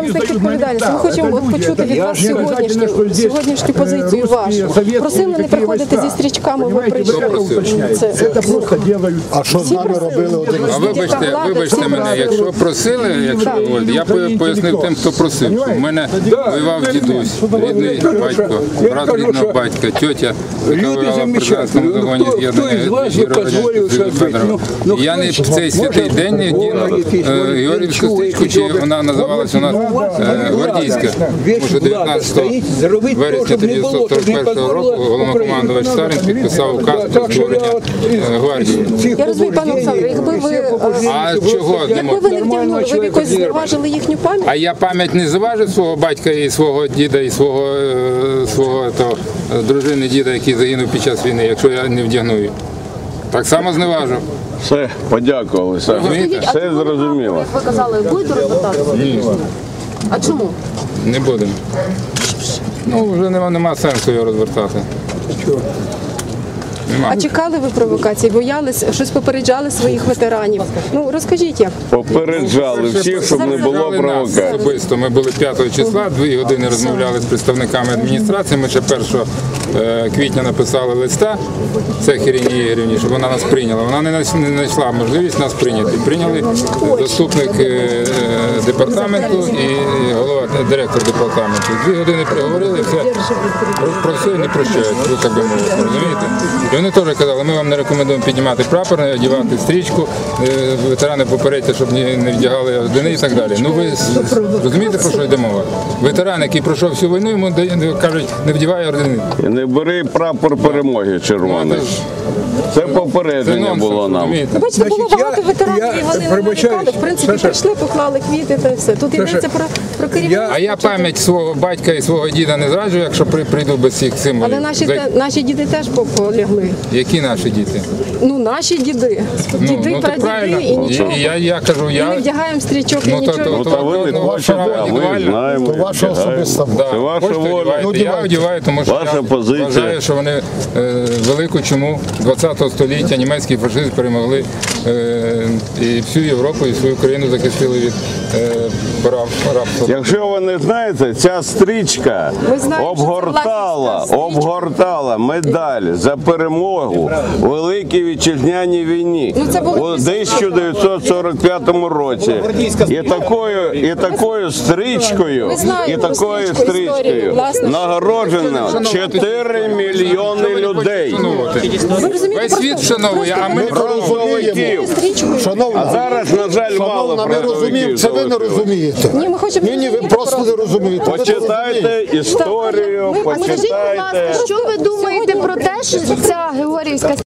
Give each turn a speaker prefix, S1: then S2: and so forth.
S1: з них відповідальність. Ми хочемо почути від вас сьогоднішню позицію вашу. Просили не приходити зі стрічками, ви прийшли.
S2: А що з нами робили один?
S3: А вибачте мене, якщо просили, я пояснив тим, хто просив. У мене воював дідусь, рідний батько, брат рідного батька, тьотя, яка воювала в партизанському загоні з'єднання Радянського Федорова. Я не в цей святий день не вдіну Георгіївську стрічку, чи вона називалася у нас Гвардійська. Тому що 19 вересня 1941 року головнокомандувач Сталін підписав указ про створення гвардії.
S1: Я розумію, пане Олександре, якби ви не вдягнули, ви б якось зневажили їхню пам'ять?
S3: А я пам'ять не зважив свого батька і свого діда, і свого дружини діда, який загинув під час війни, якщо я не вдягну її. Так само зневажив.
S4: Все, подякували, все зрозуміло.
S1: Ви казали, будете розвертатися?
S3: Ні.
S1: А чому?
S3: Не будемо. Ну, вже нема сенсу його розвертати.
S1: А чекали ви провокацій, боялись, щось попереджали своїх ветеранів? Ну, розкажіть як.
S4: Попереджали всіх, щоб не було провокацій.
S3: Особисто ми були 5 числа, 2 години розмовляли з представниками адміністрації. Ми ще 1 квітня написали листа Цех Ірині Ігорівні, щоб вона нас прийняла. Вона не знайшла можливість нас прийняти. Прийняли заступник департаменту і директор департаменту. 2 години переговорили, все, про все не прощають, ви так би мовити, розумієте? І вони теж казали, ми вам не рекомендуємо піднімати прапор, не одягати стрічку, ветерани попередьте, щоб не вдягали ордени і так далі. Ну ви розумієте, про що йде мова? Ветеран, який пройшов всю війну, йому кажуть, не вдягай ордени.
S4: Не бери прапор перемоги червоний. Це попередження було нам.
S1: Бачите, було багато ветеранів, і вони не нарікали. В принципі, прийшли, поклали квіти та все. Тут йдеться про керівництво.
S3: А я пам'ять свого батька і свого діда не зраджую, якщо прийду без цих символів.
S1: Але наші діди теж полягли.
S3: Які наші діти?
S1: Ну, наші діди. Діди, прадіди і нічого.
S3: Я кажу,
S1: Ми не вдягаємо стрічок і нічого.
S4: Та ви не хочете, а ми знаємо.
S2: То ваша особиста воля.
S4: Це ваша воля.
S3: Я одягаю, тому що я вважаю, що вони велику чуму 20-го століття німецький фашизм перемогли і всю Європу, і свою країну захистили від рабства.
S4: Якщо ви не знаєте, ця стрічка обгортала медаль за перемогу у Великій Вітчизняній війні у 1945 році. І такою стрічкою нагороджено 4 мільйони людей.
S3: Весь світ вшановує, а ми
S4: А зараз, на жаль, мало
S2: розуміємо, це ви не розумієте. Ні, ви просто не розумієте.
S4: Почитайте історію, почитайте.
S5: Що ви думаєте про те, що ця Георгіївська